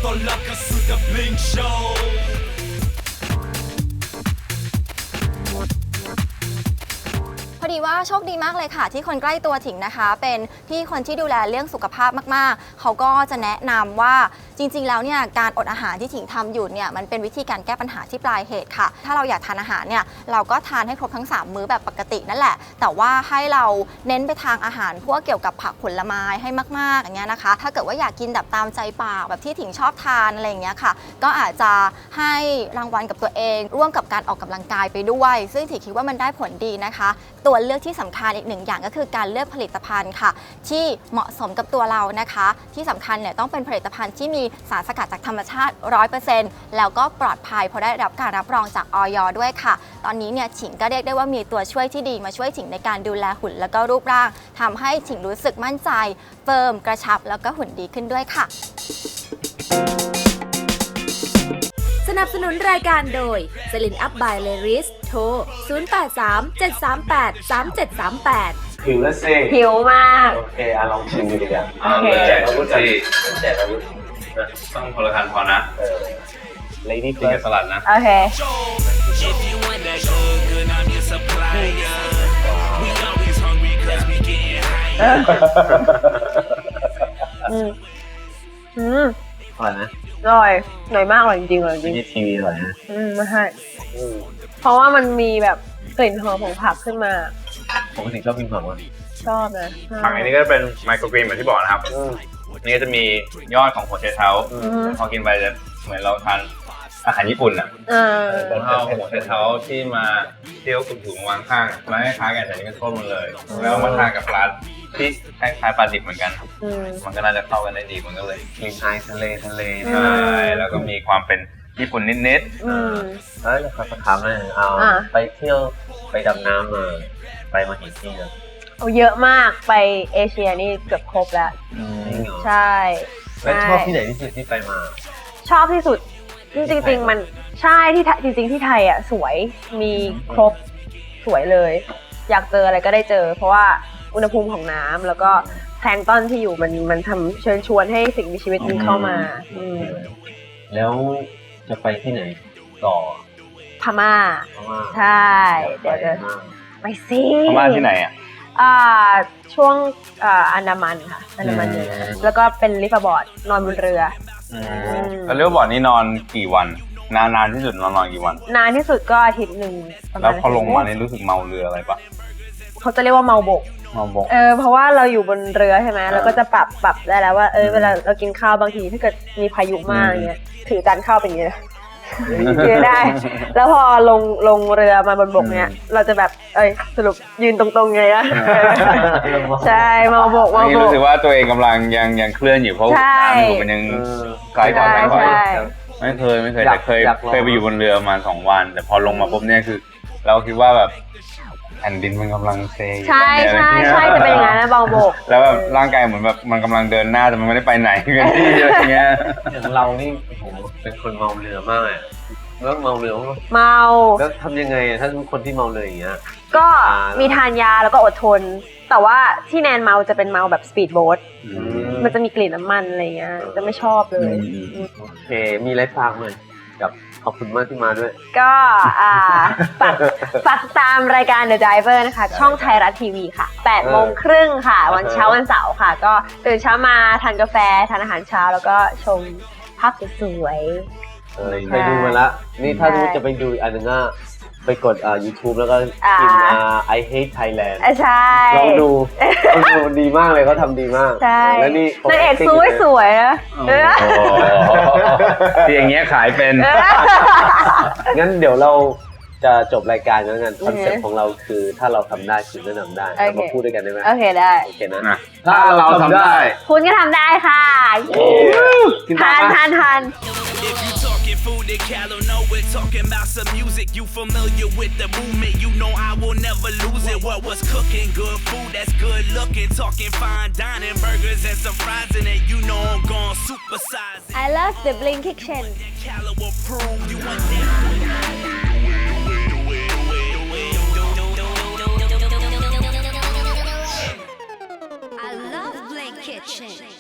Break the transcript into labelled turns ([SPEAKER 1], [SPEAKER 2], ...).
[SPEAKER 1] tolak ka sudah Blink Show
[SPEAKER 2] พอดีว่าโชคดีมากเลยค่ะที่คนใกล้ตัวถิงนะคะเป็นพี่คนที่ดูแลเรื่องสุขภาพมากๆเขาก็จะแนะนำว่าจริงๆแล้วเนี่ยการอดอาหารที่ถิงทำอยู่เนี่ยมันเป็นวิธีการแก้ปัญหาที่ปลายเหตุค่ะถ้าเราอยากทานอาหารเนี่ยเราก็ทานให้ครบทั้ง3มื้อแบบปกตินั่นแหละแต่ว่าให้เราเน้นไปทางอาหารพวกเกี่ยวกับผักผลไม้ให้มากๆอย่างเงี้ยนะคะถ้าเกิดว่าอยากกินแบบตามใจปากแบบที่ถิงชอบทานอะไรอย่างเงี้ยค่ะก็อาจจะให้รางวัลกับตัวเองร่วมกับการออกกำลังกายไปด้วยซึ่งถิงคิดว่ามันได้ผลดีนะคะตัวเลือกที่สำคัญอีกหนึ่งอย่างก็คือการเลือกผลิตภัณฑ์ค่ะที่เหมาะสมกับตัวเรานะคะที่สำคัญเนี่ยต้องเป็นผลิตภัณฑ์ที่มีสารสกัดจากธรรมชาติ 100% แล้วก็ปลอดภัยเพราะได้รับการรับรองจากอย.ด้วยค่ะตอนนี้เนี่ยฉิงก็เรียกได้ว่ามีตัวช่วยที่ดีมาช่วยฉิงในการดูแลหุ่นแล้วก็รูปร่างทำให้ฉิงรู้สึกมั่นใจเฟิร์มกระชับแล้วก็หุ่นดีขึ้นด้วยค่ะ
[SPEAKER 3] สนับสนุนรายการโดยสลินอัพบายเลริสโทร 0837383738
[SPEAKER 4] หิวแล้วสิ
[SPEAKER 5] หิวมาก
[SPEAKER 4] โอเคลองชิมดูดีกว่า
[SPEAKER 5] โอเค
[SPEAKER 4] แจกอาวุธแจกอาวุธ
[SPEAKER 6] ต้องคนละคันพอนะ
[SPEAKER 4] Lady
[SPEAKER 6] กินกับ
[SPEAKER 4] First
[SPEAKER 6] สลัดนะ
[SPEAKER 5] โอเค
[SPEAKER 1] If you want that good good I'm your supplier We always hungry cause we getting higher
[SPEAKER 4] อร่อยนะ
[SPEAKER 5] อร่อยมากอร่อยจริงๆอร่อยจริง
[SPEAKER 4] นี่ทีวีอร่อยนะ
[SPEAKER 5] ไม่ใช่เพราะว่ามันมีแบบกลิ่นหอมของผักขึ้นมา
[SPEAKER 4] ปกติชอบกินผักมั้ย
[SPEAKER 5] ชอบนะ
[SPEAKER 6] ผักอันนี้ก็เป็นไมโครกรีนเหมือนที่บอกนะครับนี่ก็จะมียอดของหัวไชเท้าพอกินไปจะเหมือนเราทานอาหารญี่ปุ่นอ่ะเอาหัวไชเท้าที่มาเที่ยวถุงวางข้างแล้วคล้ายๆกันแต่นี่ก็ต้มมันเลยแล้วมาทานกับปลาที่คล้ายๆปลาดิบเหมือนกันมันก็น่าจะเข้ากันได้ดีมันก็เลย
[SPEAKER 4] กลิ่นอายทะเล
[SPEAKER 6] ใช่แล้วก็มีความเป็นญี่ปุ่นนิดๆ
[SPEAKER 4] เฮ้ยเราถามเลยไปเที่ยวไปดำน้ำมาไปมากี่ที่แล้ว
[SPEAKER 5] เยอะมากไปเอเชียนี่เกือบครบแล้วใช่
[SPEAKER 4] แล้วชอบที่ไหนที่สุดที่ไปมา
[SPEAKER 5] ชอบที่สุดจริงๆมันใช่ที่จริงๆที่ไทยอ่ะสวยมีครบสวยเลยอยากเจออะไรก็ได้เจอเพราะว่าอุณหภูมิของน้ำแล้วก็แพลงก์ตอนที่อยู่มันทำเชิญชวนให้สิ่งมีชีวิตมันเข้ามา
[SPEAKER 4] แล้วจะไปที่ไหนต่อ
[SPEAKER 5] พม่าใช่เดี๋ยวจะไปซิ
[SPEAKER 6] พม่าที่ไหนอ่ะ
[SPEAKER 5] ช่วงอันดามันค่ะอันดามันเนี่ยแล้วก็เป็นลิฟต์บอร์ดนอนบนเรือ
[SPEAKER 6] แล้วเรียกว่าบอร์ดนี่นอนกี่วันนานที่สุดนอนกี่วัน
[SPEAKER 5] นานที่สุดก็อาทิตย์หนึ่ง
[SPEAKER 6] แล้วพอลงมานี่รู้สึกเมาเรืออะไรปะ
[SPEAKER 5] เขาจะเรียกว่าเมาบกเพราะว่าเราอยู่บนเรือใช่ไหมเราก็จะปรับได้แล้วว่าเวลาเรากินข้าวบางทีถ้าเกิดมีพายุมากเงี้ยถือจานข้าวเป็นอย่างเงี้ยยืนได้ แล้วพอลงเรือมาบนบกเนี้ยเราจะแบบสรุปยืนตรงๆไงนะใช่เมาบก
[SPEAKER 6] นี่รู้สึกว่าตัวเองกำลังยังเคลื่อนอยู่เพราะน้ำมันยังไกลกว่าไม่เคยแต่เคยไปอยู่บนเรือมา2 วันแต่พอลงมาปุ๊บเนี่ยคือเราคิดว่าแบบแผ่นดินมันกำลังเซ
[SPEAKER 5] ใช่จะเป็นอย่างนั้นนะเบาบก
[SPEAKER 6] แล้วแบบร่างกายเหมือนแบบมันกำลังเดินหน้าแต่มันไม่ได้ไปไหนกันที่อะไรเงี้ย
[SPEAKER 4] อย่างเรานี่โหเป็นคนเมาเรือมากเลยแล้วเมาเรือแล้วทำยังไงถ้าทุกคนที่เมาเรืออย่างเงี้ย
[SPEAKER 5] ก็มีทานยาแล้วก็อดทนแต่ว่าที่แนนเมาจะเป็นเมาแบบสปีดโบ๊ทมันจะมีกลิ่นน้ำมันอะไรเงี้ยจะไม่ชอบเลย
[SPEAKER 4] โอเคมีอะไรฝากไหมกับขอบคุณมากที่มาด้วย
[SPEAKER 5] ก็ฝากตามรายการ The Driver นะคะช่องไทยรัฐทีวีค่ะ 8:30 ค่ะวันเช้าวันเสาร์ค่ะก็ตื่นเช้ามาทานกาแฟทานอาหารเช้าแล้วก็ชมภาพสวย
[SPEAKER 4] ๆไปดูมาละนี่ถ้าจะไปดูอันนึงไปกดYouTube แล้วก็พิมพ์I hate Thailand
[SPEAKER 5] ใช่
[SPEAKER 4] ลองดูดีมากเลยเขาทำดีมาก
[SPEAKER 5] ใช่
[SPEAKER 4] แล้วนี่
[SPEAKER 5] นางเอกสวยนะ
[SPEAKER 6] ที่อย่างเงี้ยขายเป็น
[SPEAKER 4] งั้นเดี๋ยวเราจะจบรายการแล้วกันคอนเซ็ปต์ของเราคือถ้าเราทำได้คุณก็ทำได้เรามาพูดด้วยกันได้ไหม
[SPEAKER 5] โอเคได้
[SPEAKER 4] โอเคนะ
[SPEAKER 6] ถ้าเราทำได้
[SPEAKER 5] คุณก็ทำได้ค่ะทาน
[SPEAKER 1] If you talking food, then Callow know it. Talking about some music, you familiar with the movement. You know I will never lose it. What was cooking? Good food, that's good looking. Talking fine dining, burgers and some fries in it. You know I'm gon' supersize it.
[SPEAKER 5] I love the Blink Kitchen.
[SPEAKER 1] Callow approve. You want that?
[SPEAKER 3] I love Blink Kitchen.